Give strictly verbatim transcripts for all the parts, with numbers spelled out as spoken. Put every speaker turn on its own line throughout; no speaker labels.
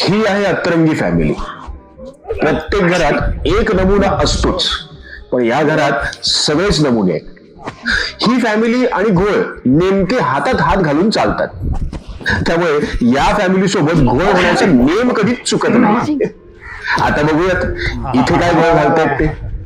ही आहे अतरंगी फॅमिली. प्रत्येक घरात एक नमुना असतोच, पण या घरात सगळेच नमुने आहेत. ही फॅमिली आणि घोळ नेमके हातात हात घालून चालतात. त्यामुळे या फॅमिली सोबत घोळ होण्याचा नेम कधीच चुकत नाही. आता बघूयात इथे काय घोळ घालतायत ते.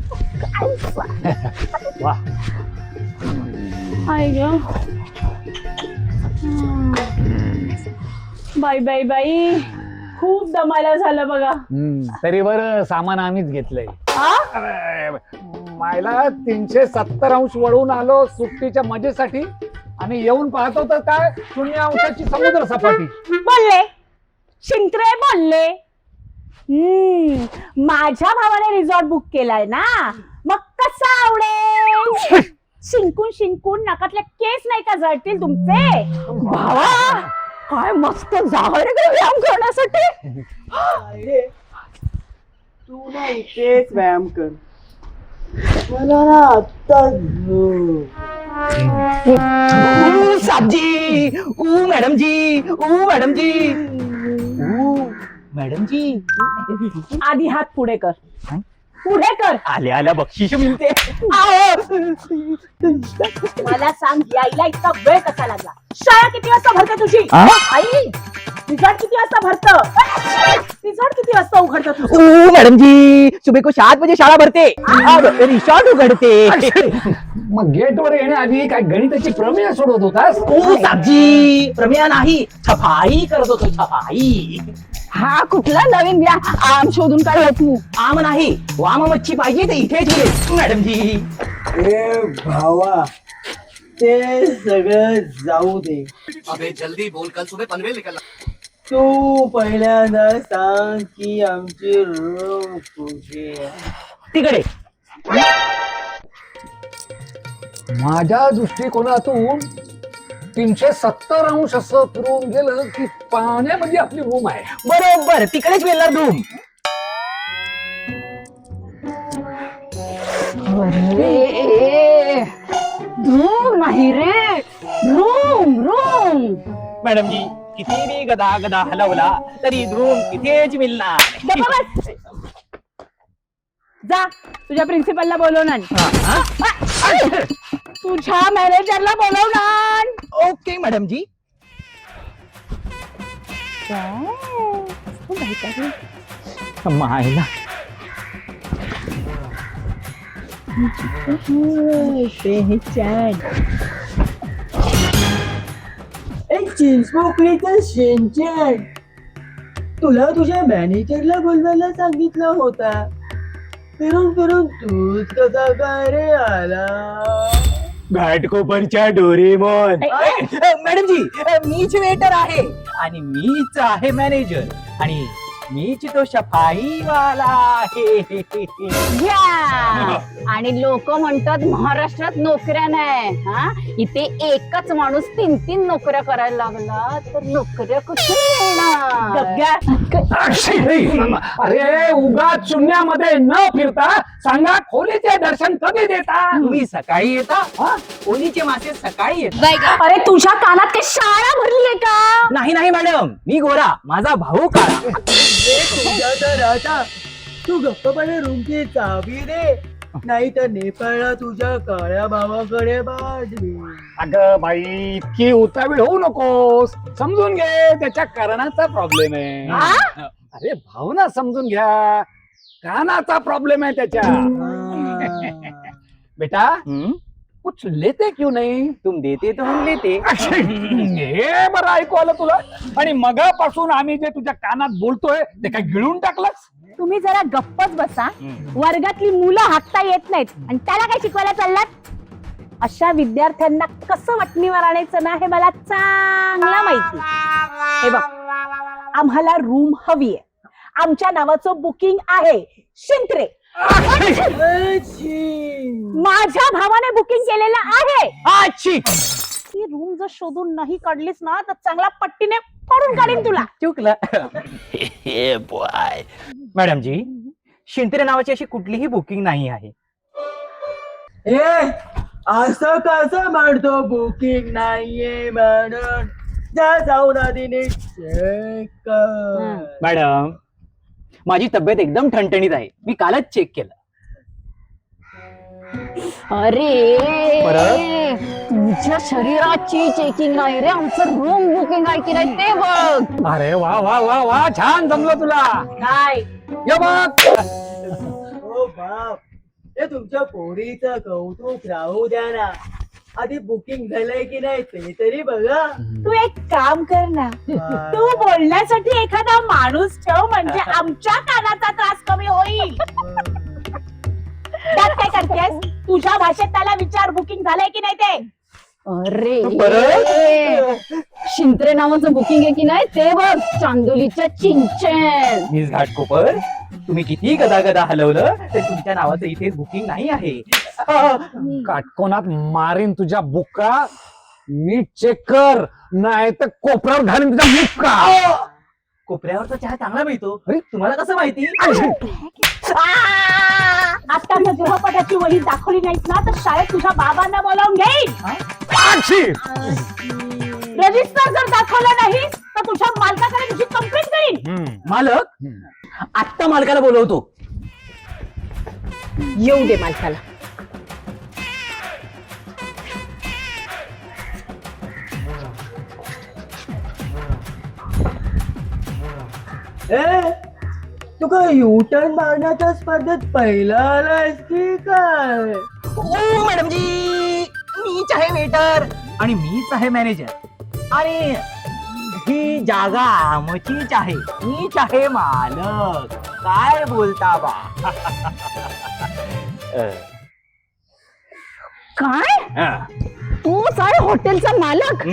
बाई बाई बाई, खूप दमायला झालं बघा.
तरी बरं सामान आम्हीच घेतलंय. मायला तीनशे सत्तर अंश वळून आलो सुट्टीच्या मजेसाठी आणि येऊन पाहतो तर काय शून्य अंशाची समुद्र सपाटी.
बोलले शिंत्रे बोलले. हम्म माझ्या भावाने रिसॉर्ट बुक केलाय ना, मग कसा आवडेल. शिंकून शिंकून नाकातले केस नाही का जळतील तुमचे. भावा काय मस्त जागा रे व्यायाम करण्यासाठी.
तू ना इथेच व्यायाम कर, मला ना आता
साबजी ऊ मॅडम जी ऊ मॅडम जी ऊ मॅडम जी.
आधी हात पुढे कर, पुढे कर.
आल्या आल्या बक्षीस मिळते.
मला सांग यायला इतका वेळ कसा लागला. शाळा किती वाजता भरते तुझी आई. रिसॉर्ट किती वाजता भरतं. रिसॉर्ट किती वाजता उघडतं तुझं.
ऊ मॅडम जी सुबह को सात बजे शाळा भरते, रिसॉर्ट उघडते.
मग गेटवर येण्याआधी काय गणिताची प्रमेय सोडवत होतास.
ऊ साबजी प्रमेय नाही, छपाई करत होतो छपाई.
हा कुठला नवीन व्या आम शोधून काढला तू.
आम नाही वाम मच्छी पाहिजे ते इथे ठेवले मॅडम जी.
ए भावा ते सगळं जाऊ दे.
अबे जल्दी बोल, कल सुबह पनवेल निकलना.
तू पहिल्यांदा सांग की आमची रूम कुठे आहे.
तिकडे.
माझ्या दृष्टिकोनातून तीनशे सत्तर अंश असं फिरून गेलं की पाण्यामध्ये आपली रूम आहे.
बरोबर तिकडेच मिळणार रूम.
रूम नाही रे, रूम रूम.
मॅडम जी किती मी गदा गदा हलवला तरी रूम तिथेच मिळणार.
गप्पा बस. जा तुझ्या प्रिन्सिपलला बोलवणार, तुझ्या मॅनेजरला बोलवणार.
Okay madam ji. मायला
चिंचपोकळीचं शेंचन तुला तुझ्या मॅनेजरला बोलवायला सांगितला होता. फिरून फिरून तूच कसा काय रे आला.
घाटकोपरच्या डोरेमॉन. मॅडम जी मीच वेटर आहे आणि मीच आहे मॅनेजर आणि मीच तो सफाईवाला आहे.
घ्या. आणि लोक म्हणतात महाराष्ट्रात नोकऱ्या नाही. हा इथे एकच माणूस तीन तीन नोकऱ्या करायला लागला तर नोकऱ्या कुठे येणार.
अरे उगाच शून्यामध्ये न फिरता सांगा खोलीचे दर्शन कधी देता.
तुम्ही सकाळी येता, कोणीचे मासे सकाळी येतात.
अरे तुझ्या कानात काही शाळा भरली आहे का.
नाही नाही मॅडम मी गोरा, माझा भाऊ काळा.
तुझ्या तर आता तू गप्पपणे रूमची चावी दे, नाही तर नेपाळला तुझ्या काळ्या भावाकडे पाठवी.
अगं बाई इतकी उतावीळ होऊ नकोस. समजून घे त्याच्या कारणाचा प्रॉब्लेम आहे. अरे भावना समजून घ्या, कानाचा प्रॉब्लेम आहे त्याच्या. बेटा कुछ लेते क्यों नहीं.
तुम देते तो हम लेते.
हे बरं ऐकू आलं तुला. आणि मगापासून आम्ही जे तुझ्या कानात बोलतोय ते काय गिळून टाकलंस.
तुम्ही जरा गप्पच बसा. वर्गातली मुलं हाकता येत नाहीत आणि त्याला काय शिकवायला चाललात. अशा विद्यार्थ्यांना कसं वटणीवर आणायचं ना हे मला चांगला माहिती. हे बघ आम्हाला रूम हवी आहे. आमच्या नावाचं बुकिंग आहे शिंत्रे. माझ्या भावाने बुकिंग केलेलं आहे. ती रूम जर शोधून नाही काढलीस ना तर चांगला पट्टीने पडून काढीन तुला.
चुकलं. मॅडम जी शिंत्रे नावाची अशी कुठलीही बुकिंग नाही आहे.
ए असं कसं म्हणतो बुकिंग नाहीये म्हणून. जा जाऊन आधी नीट चेक कर.
मॅडम माझी तब्येत एकदम ठणठणीत आहे, मी कालच चेक केलं.
अरे
परत?
तुझ्या शरीराची चेकिंग आहे रे, आमचं रूम बुकिंग आहे की नाही ते बघ.
अरे वा वा वा वा छान जमलं तुला.
काय
ये बघ.
हो बाप, हे तुमच्या पोरीचं कौतुक राहू द्या ना, आधी बुकिंग झालंय की नाही ते तरी बघा.
तू एक काम कर ना, तू बोलण्यासाठी एखादा माणूस ठेव, म्हणजे आमच्या कानाचा त्रास कमी होईल. त्यात काय करतेस, तुझ्या भाषेत त्याला विचार बुकिंग झालंय की नाही ते. अरे शिंत्रे नावाचं बुकिंग आहे की नाही ते बघ, चांदोलीच्या चिंचेन.
मिस घाटकोपर, तुम्ही किती गदा गदा हलवलं तर तुमच्या नावाचं इथे बुकिंग नाही आहे.
काटकोनात मारीन तुझ्या बुक्का. नीट चेक कर, नाही तर कोपऱ्यावर घालीन तुझ्या बुक्का.
कोपऱ्यावरचा चहा चांगला मिळतो. अरे तुम्हाला कसं माहिती?
आता जर गृहपाठाची वही दाखवली नाहीस ना तर शाळेत तुझ्या बाबांना बोलावून घेईन. रजिस्टर जर दाखवलं नाहीस तर तुझ्या मालकाकडे तुझी कंप्लेंट करीन.
मालक, आत्ता मालकाला बोलवतो.
येऊ दे मालकाला.
ए, तू काय युटर्न मारण्याच्या स्पर्धेत पहिला आलायस की काय?
ओ मॅडम जी, मीच आहे वेटर आणि मीच आहे मॅनेजर आणि ही जागा आमचीच आहे. मीच आहे मालक. काय बोलता बा?
काय तू साय हॉटेलचा मालक?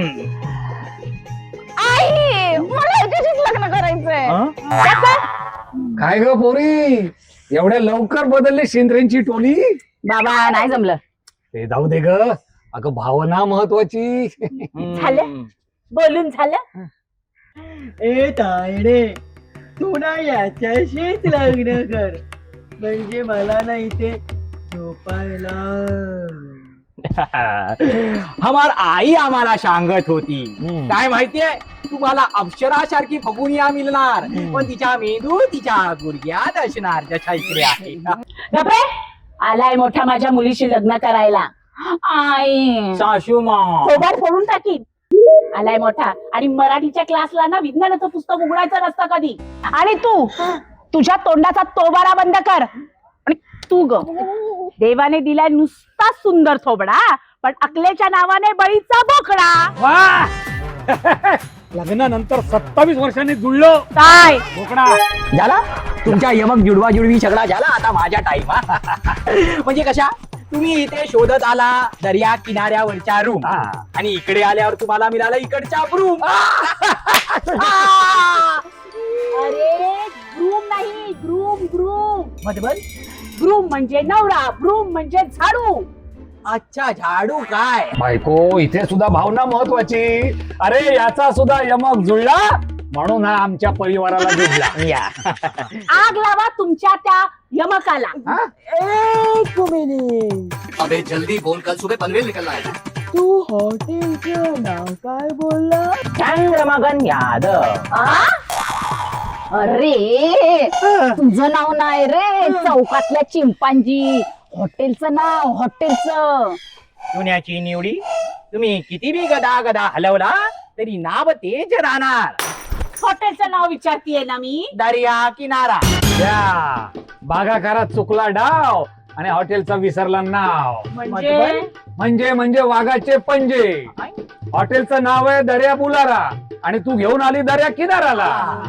आई, मला याच्याशीच लग्न करायचंय.
काय ग पोरी, एवढ्या लवकर बदलली शिंद्रेंची टोली?
बाबा नाही जमलं.
ते जाऊ दे ग, अगं भावना महत्वाची.
झालं बोलून झालं.
ए तायडे, तू ना याच्याशीच लग्न कर, म्हणजे मला ना इथे झोपायला.
हमार आई आम्हाला सांगत होती, काय माहितीये, तुम्हाला अप्सरासारखी फगुनिया मिळणार, पण तिच्या मेंदू तिच्या गुडघ्यात असणार जशा इकडे आहे.
गप्रे, आलाय मोठा माझ्या मुलीशी लग्न करायला. आई
सासूमा,
थोबाड फोडून टाकीन. आलाय मोठा, आणि मराठीच्या क्लासला ना विज्ञानाचं पुस्तक उघडायचं नसतं कधी. आणि तू तुझ्या तोंडाचा तोबारा बंद कर. आणि तू ग, देवाने दिलाय नुसता सुंदर थोबडा, पण अकलेच्या नावाने बळीचा बोकडा.
वा लग्नानंतर सत्तावीस वर्षांनी जुळलो.
काय
बोकडा
झाला तुमच्या यमक जुडवा जुडवी सगळा झाला. आता माझ्या टाइम. म्हणजे कशा, तुम्ही इथे शोधत आला दर्या किनाऱ्यावरच्या रूम, आणि इकडे आल्यावर तुम्हाला मिळाला इकडच्या रूम.
अरे ग्रूम नाही, ग्रूम ग्रूम.
मतलब
ग्रूम म्हणजे नवरा, ब्रूम म्हणजे झाडू.
अच्छा, झाडू काय?
बायको, इथे सुद्धा भावना महत्वाची. अरे याचा सुद्धा यमक जुळला म्हणून हा आमच्या परिवाराला जुळला.
या
आग लावा तुमच्या त्या यमकाला.
एक मिनिट,
अबे जल्दी बोल, कल सुबह पनवेल निकलना है.
तू हॉटेलचं नाव काय बोलला?
चंद्रमगन यादव.
आ? अरे तुझं नाव नाही रे, चौकातल्या चिंपांजी. हॉटेलचं नाव, हॉटेलचं.
पुण्याची निवडी, तुम्ही किती बी गदा गदा हलवला तरी नाव तेच राहणार.
हॉटेलचं नाव विचारतीये ना मी.
दर्या किनारा.
या बागाकारात चुकला डाव आणि हॉटेलचं विसरलं नाव.
म्हणजे
म्हणजे म्हणजे वाघाचे पंजे. हॉटेलचं नाव आहे दर्या बुलारा आणि तू घेऊन आली दर्या किनाराला.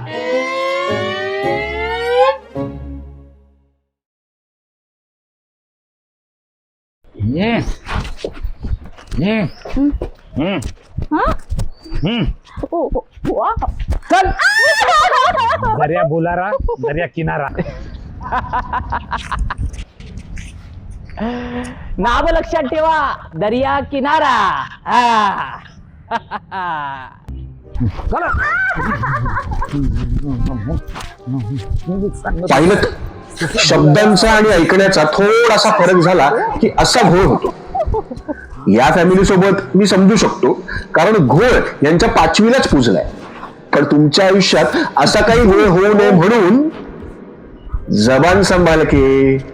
ये ये हम्म
हा?
हम्म
ओ, ओ, वा.
चल दर्या बुलारा, दर्या किनारा.
नाव लक्षात ठेवा, दर्या किनारा. हा.
चला.
पाहिलं, शब्दांचा आणि ऐकण्याचा थोडासा फरक झाला की असा घोळ होतो. या फॅमिली सोबत मी समजू शकतो, कारण घोळ यांच्या पाचवीलाच पुजलाय. पण तुमच्या आयुष्यात असा काही घोळ होऊ नये म्हणून जबान संभाल के.